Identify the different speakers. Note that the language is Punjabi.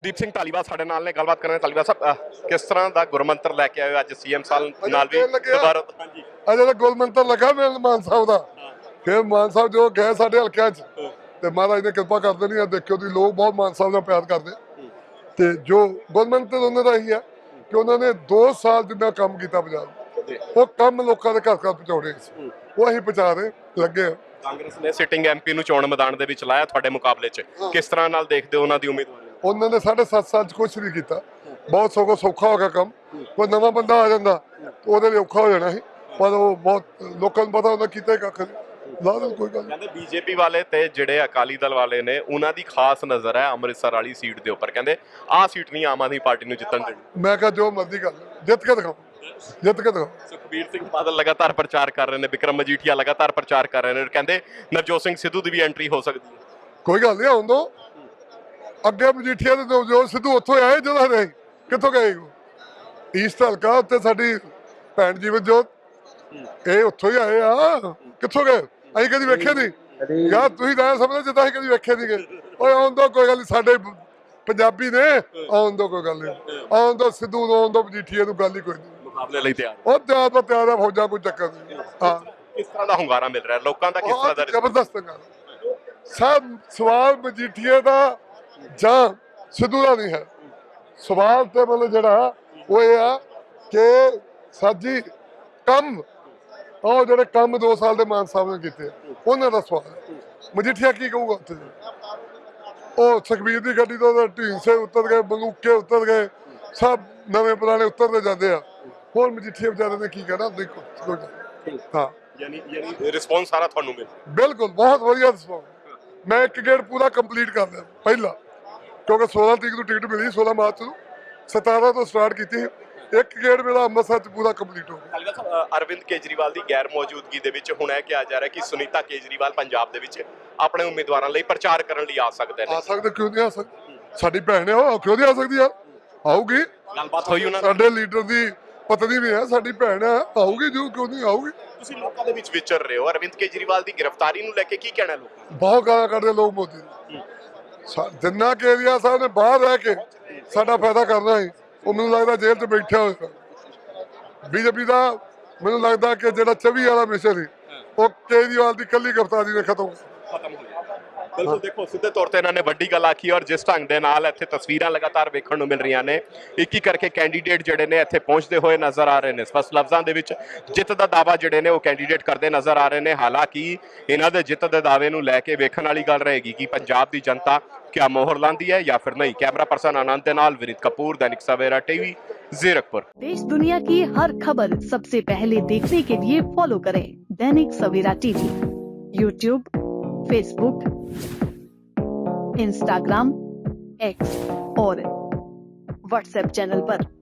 Speaker 1: ਦੀਪ ਸਿੰਘ ਧਾਲੀਵਾਲ ਸਾਡੇ ਨਾਲ ਨੇ, ਗੱਲਬਾਤ ਕਰਾਂਗੇ। ਧਾਲੀਵਾਲ ਸਾਹਿਬ, ਕਿਸ ਤਰ੍ਹਾਂ ਦਾ ਗੁਰਮੰਤਰ ਲੈ ਕੇ ਆਏ ਹੋ ਅੱਜ ਸੀਐਮ ਸਾਹਿਬ ਨਾਲ ਵੀ ਦੁਬਾਰਾ? ਹਾਂਜੀ,
Speaker 2: ਅਜੇ ਤਾਂ ਗੁਰਮੰਤਰ ਲੱਗਾ ਮੇਰੇ ਮਾਨ ਸਾਹਿਬ ਦਾ। ਫਿਰ ਮਾਨ ਸਾਹਿਬ ਜੋ ਗਏ ਸਾਡੇ ਹਲਕਿਆਂ 'ਚ ਤੇ ਮਹਾਰਾਜ ਨੇ ਕਿਰਪਾ ਕਰ ਦੇਣੀ ਆ। ਦੇਖਿਓ ਤੁਸੀਂ ਲੋਕ ਬਹੁਤ ਮਾਨ ਸਾਹਿਬ ਨਾਲ ਪਿਆਰ ਕਰਦੇ ਤੇ ਜੋ ਗੁਰਮੰਤਰ ਉਹਨਾਂ ਦਾ ਇਹੀ ਹੈ ਕਿ ਉਹਨਾਂ ਨੇ 2 ਸਾਲ ਜਿੰਨਾ ਕੰਮ ਕੀਤਾ ਪੰਜਾਬ, ਉਹ ਕੰਮ ਲੋਕਾਂ ਦੇ ਘਰ ਘਰ ਪਹੁੰਚਾਉਣੇ ਸੀ, ਉਹ ਅਸੀਂ ਪਹੁੰਚਾ ਰਹੇ ਲੱਗੇ ਆ।
Speaker 1: ਕਾਂਗਰਸ ਨੇ ਸਿਟਿੰਗ ਐਮਪੀ ਨੂੰ ਚੋਣ ਮੈਦਾਨ ਦੇ ਵਿੱਚ ਲਾਇਆ ਤੁਹਾਡੇ ਮੁਕਾਬਲੇ 'ਚ, ਕਿਸ ਤਰ੍ਹਾਂ ਨਾਲ ਦੇਖਦੇ ਹੋ ਉਹਨਾਂ ਦੀ ਉਮੀਦਵਾਰੀ?
Speaker 2: ਉਹਨਾਂ ਨੇ 7.5 ਸਾਲ 'ਚ ਕੁਛ ਨਹੀਂ ਕੀਤਾ, ਬਹੁਤ ਸੌਖਾ ਹੋ ਗਿਆ ਕੰਮ। ਕੋਈ ਨਵਾਂ ਬੰਦਾ ਆ ਜਾਂਦਾ ਉਹਦੇ ਲਈ ਔਖਾ ਹੋ ਜਾਣਾ ਸੀ, ਪਰ ਉਹ ਬਹੁਤ ਲੋਕਾਂ ਨੂੰ ਪਤਾ ਉਹਨਾਂ ਕੀਤਾ ਹੀ ਕੱਖ ਨਹੀਂ। ਲਾ ਦੋ ਕੋਈ ਗੱਲ।
Speaker 1: ਕਹਿੰਦੇ ਬੀਜੇਪੀ ਵਾਲੇ ਤੇ ਜਿਹੜੇ ਅਕਾਲੀ ਦਲ ਵਾਲੇ ਨੇ ਉਹਨਾਂ ਦੀ ਖਾਸ ਨਜ਼ਰ ਹੈ ਅੰਮ੍ਰਿਤਸਰ ਵਾਲੀ ਸੀਟ ਦੇ ਉੱਪਰ, ਕਹਿੰਦੇ ਆਹ ਸੀਟ ਨਹੀਂ ਆਮ ਆਦਮੀ ਪਾਰਟੀ ਨੂੰ ਜਿੱਤਣ ਦੇਣੀ।
Speaker 2: ਮੈਂ ਕਿਹਾ ਜੋ ਮਰਜ਼ੀ ਕਰ ਜਿੱਤ ਕੇ ਦਿਖਾਓ, ਜਿੱਤ ਕੇ ਦਿਖਾਓ।
Speaker 1: ਸੁਖਬੀਰ ਸਿੰਘ ਬਾਦਲ ਲਗਾਤਾਰ ਪ੍ਰਚਾਰ ਕਰ ਰਹੇ ਨੇ, ਵਿਕਰਮ ਮਜੀਠੀਆ ਲਗਾਤਾਰ ਪ੍ਰਚਾਰ ਕਰ ਰਹੇ ਨੇ, ਕਹਿੰਦੇ ਨਵਜੋਤ ਸਿੰਘ ਸਿੱਧੂ ਦੀ ਵੀ ਐਂਟਰੀ ਹੋ ਸਕਦੀ ਹੈ।
Speaker 2: ਕੋਈ ਗੱਲ ਨਹੀਂ, ਆਉਣ ਦੋ। ਅੱਗੇ ਮਜੀਠੀਆ ਦੇ ਨਵਜੋਤ ਸਿੱਧੂ ਉੱਥੋਂ ਆਏ ਜਦੋਂ ਰਹੇ, ਕਿੱਥੋਂ ਗਏ? ਈਸਟ ਹਲਕਾ ਉੱਤੇ ਸਾਡੀ ਭੈਣ ਜੀਵਨ ਜੋਤ, ਇਹ ਉੱਥੋਂ ਹੀ ਆਏ ਆ, ਕਿੱਥੋਂ ਗਏ? ਅਸੀਂ ਕਦੀ ਵੇਖੇ ਨਹੀਂ ਯਾਰ, ਤੁਸੀਂ ਤਾਂ ਸਮਝਦੇ ਜਿੱਦਾਂ ਅਸੀਂ ਕਦੀ ਵੇਖੇ ਨਹੀਂ ਗਏ। ਓਏ ਆਉਣ ਦੋ, ਕੋਈ ਗੱਲ ਨਹੀਂ, ਸਾਡੇ ਪੰਜਾਬੀ ਨੇ, ਆਉਣ ਦੋ, ਕੋਈ ਗੱਲ ਨਹੀਂ, ਆਉਣ ਦੋ ਸਿੱਧੂ ਨੂੰ, ਆਉਣ ਦੋ ਮਜੀਠੀਆ ਨੂੰ, ਗੱਲ ਹੀ ਕੋਈ ਨਹੀਂ।
Speaker 1: ਮੁਕਾਬਲੇ ਲਈ ਤਿਆਰ
Speaker 2: ਉਹ ਤਿਆਰ ਹੈ ਫੌਜਾਂ, ਕੋਈ ਚੱਕਰ ਨਹੀਂ। ਹਾਂ,
Speaker 1: ਕਿਸ ਤਰ੍ਹਾਂ ਦਾ ਹੁੰਗਾਰਾ ਮਿਲ ਰਿਹਾ ਲੋਕਾਂ ਦਾ, ਕਿਸ ਤਰ੍ਹਾਂ ਦਾ?
Speaker 2: ਜ਼ਬਰਦਸਤ ਗੱਲ। ਸਭ ਸਵਾਲ ਮਜੀਠੀਏ ਦਾ ਜਾਂ ਸਿੱਧੂ ਦਾ ਨਹੀਂ ਹੈ, ਸਵਾਲ ਤੇ ਮਤਲਬ ਜਿਹੜਾ ਉਹ ਇਹ ਆ ਕਿ ਸਾਡੀ ਕੰਮ, ਉਹ ਜਿਹੜੇ ਕੰਮ 2 ਸਾਲ ਦੇ ਮਾਨ ਸਾਹਿਬ ਨੇ ਕੀਤੇ ਉਹਨਾਂ ਦਾ ਸਵਾਲ ਹੈ। ਮਜੀਠੀਆ ਕੀ ਕਹੂਗਾ ਉੱਥੇ? ਉਹ ਸੁਖਬੀਰ ਦੀ ਗੱਡੀ ਤੋਂ ਢੀਂਸੇ ਉਤਰ ਗਏ, ਬੰਦੂਕੇ ਉਤਰ ਗਏ, ਸਭ ਨਵੇਂ ਪੁਰਾਣੇ ਉਤਰਦੇ ਜਾਂਦੇ ਆ। ਹੋਰ ਮਜੀਠੀਆ ਵਿਚਾਰੇ ਨੇ ਕੀ ਕਹਿਣਾ? ਦੇਖੋ ਹਾਂ,
Speaker 1: ਯਾਨੀ ਰਿਸਪੌਂਸ ਸਾਰਾ ਤੁਹਾਨੂੰ ਮਿਲ?
Speaker 2: ਬਿਲਕੁਲ ਬਹੁਤ ਵਧੀਆ ਰਿਸਪੌਂਸ। ਮੈਂ ਇੱਕ ਗੇੜ ਪੂਰਾ ਕੰਪਲੀਟ ਕਰ ਲਿਆ ਪਹਿਲਾਂ, ਕਿਉਂਕਿ 16 ਤਰੀਕ ਨੂੰ ਟਿਕਟ ਮਿਲੀ, 16 ਮਾਰਚ ਨੂੰ, 17 ਤੋਂ ਸਟਾਰਟ ਕੀਤੀ। ਇੱਕ ਗੇੜ ਮੇਰਾ ਅੰਮ੍ਰਿਤਸਰ 'ਚ ਪੂਰਾ ਕੰਪਲੀਟ ਹੋ ਗਿਆ।
Speaker 1: ਅਰਵਿੰਦ ਕੇਜਰੀਵਾਲ ਦੀ ਗੈਰ ਮੌਜੂਦਗੀ ਦੇ ਵਿੱਚ ਹੁਣ ਇਹ ਕਿਹਾ ਜਾ ਰਿਹਾ ਕਿ ਸੁਨੀਤਾ ਕੇਜਰੀਵਾਲ ਪੰਜਾਬ ਦੇ ਵਿੱਚ ਆਪਣੇ ਉਮੀਦਵਾਰਾਂ ਲਈ ਪ੍ਰਚਾਰ ਕਰਨ ਲਈ ਆ ਸਕਦੇ ਨੇ।
Speaker 2: ਆ ਸਕਦੇ, ਕਿਉਂ ਨਹੀਂ ਆ ਸਕਦੇ? ਸਾਡੀ ਭੈਣ ਹੈ, ਉਹ ਕਿਉਂ ਨਹੀਂ ਆ ਸਕਦੀ ਯਾਰ? ਆਊਗੀ।
Speaker 1: ਗੱਲਬਾਤ ਹੋਈ ਉਹਨਾਂ
Speaker 2: ਸਾਡੇ ਲੀਡਰ ਦੀ ਪਤਨੀ ਵੀ ਹੈ, ਸਾਡੀ ਭੈਣ ਹੈ, ਆਊਗੀ, ਜੋ ਕਿਉਂ ਨਹੀਂ ਆਊਗੀ।
Speaker 1: ਤੁਸੀਂ ਲੋਕਾਂ ਦੇ ਵਿੱਚ ਵਿਚਰ ਰਹੇ ਹੋ, ਅਰਵਿੰਦ ਕੇਜਰੀਵਾਲ ਦੀ ਗ੍ਰਿਫਤਾਰੀ ਨੂੰ ਲੈ ਕੇ ਕੀ ਕਹਿਣਾ ਲੋਕਾਂ?
Speaker 2: ਬਹੁਤ ਗਾਲਾਂ ਕੱਢਦੇ ਲੋਕ ਮੋਦੀ ਨੂੰ। ਜਿੰਨਾ ਕੇਜਰੀਵਾਲ ਸਾਹਿਬ ਨੇ ਬਾਹਰ ਰਹਿ ਕੇ ਸਾਡਾ ਫਾਇਦਾ ਕਰਨਾ ਸੀ, ਉਹ ਮੈਨੂੰ ਲੱਗਦਾ ਜੇਲ੍ਹ 'ਚ ਬੈਠਿਆ ਹੋਇਆ। ਬੀਜੇਪੀ ਦਾ ਮੈਨੂੰ ਲੱਗਦਾ ਕਿ ਜਿਹੜਾ 24 ਵਾਲਾ ਮਿਸ਼ਨ ਸੀ, ਉਹ ਕੇਜਰੀਵਾਲ ਦੀ ਕੱਲੀ ਗ੍ਰਿਫਤਾਰੀ ਨੇ ਖਤਮ
Speaker 1: ਹੋ ਗਿਆ। ਬਿਲਕੁਲ, ਦੇਖੋ ਸਿੱਧੇ ਤੌਰ ਤੇ ਇਹਨਾਂ ਨੇ ਵੱਡੀ ਗੱਲ ਆਖੀ, ਔਰ ਜਿਸ ਢੰਗ ਦੇ ਨਾਲ ਇੱਥੇ ਤਸਵੀਰਾਂ ਲਗਾਤਾਰ ਵੇਖਣ ਨੂੰ ਮਿਲ ਰਹੀਆਂ ਨੇ, ਇੱਕ ਕਰਕੇ ਕੈਂਡੀਡੇਟ ਜਿਹੜੇ ਨੇ ਇੱਥੇ ਪਹੁੰਚਦੇ ਹੋਏ ਨਜ਼ਰ ਆ ਰਹੇ ਨੇ। ਸਪਸ਼ਟ ਲਫ਼ਜ਼ਾਂ ਦੇ ਵਿੱਚ ਜਿੱਤ ਦਾ ਦਾਅਵਾ ਜਿਹੜੇ ਨੇ ਉਹ ਕੈਂਡੀਡੇਟ ਕਰਦੇ ਨਜ਼ਰ ਆ ਰਹੇ ਨੇ। ਹਾਲਾਂਕਿ ਇਹਨਾਂ ਦੇ ਜਿੱਤ ਦੇ ਦਾਅਵੇ ਨੂੰ ਲੈ ਕੇ ਵੇਖਣ ਵਾਲੀ ਗੱਲ ਰਹੇਗੀ ਕਿ ਪੰਜਾਬ ਦੀ ਜਨਤਾ क्या मोहर लांदी है या फिर नहीं। कैमरा पर्सन आनंद के नाल विनीत कपूर, दैनिक सवेरा टीवी, जीरकपुर।
Speaker 3: देश दुनिया की हर खबर सबसे पहले देखने के लिए फॉलो करें Dainik Savera TV, YouTube, Facebook, Instagram, X और व्हाट्सएप चैनल पर।